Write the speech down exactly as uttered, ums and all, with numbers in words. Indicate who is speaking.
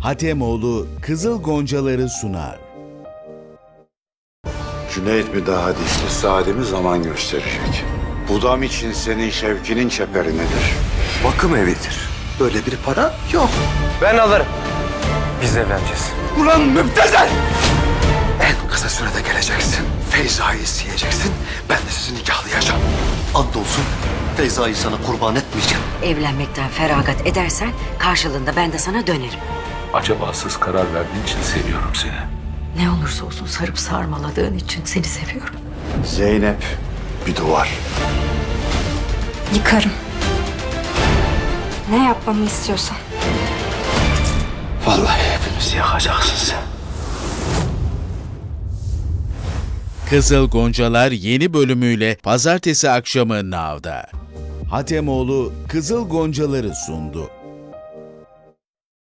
Speaker 1: Hatemoğlu Kızıl Goncaları sunar.
Speaker 2: Cüneyt mi daha dişli, Sadi mi zaman gösterecek. Budam için senin şevkinin çeperi nedir?
Speaker 3: Bakım evidir. Böyle bir para yok.
Speaker 4: Ben alırım. Biz evleneceğiz.
Speaker 3: Ulan müptezel! En kısa sürede geleceksin. Feyza'yı isteyeceksin. Ben de sizi nikahlayacağım. Andolsun Feyza'yı sana kurban etmeyeceğim.
Speaker 5: Evlenmekten feragat edersen karşılığında ben de sana dönerim.
Speaker 6: Acabasız karar verdiğin için seviyorum seni.
Speaker 5: Ne olursa olsun sarıp sarmaladığın için seni seviyorum.
Speaker 2: Zeynep bir duvar.
Speaker 7: Yıkarım. Ne yapmamı istiyorsan.
Speaker 3: Vallahi hepimizi yakacaksın sen.
Speaker 1: Kızıl Goncalar yeni bölümüyle pazartesi akşamı Now'da. Hatemoğlu Kızıl Goncaları sundu.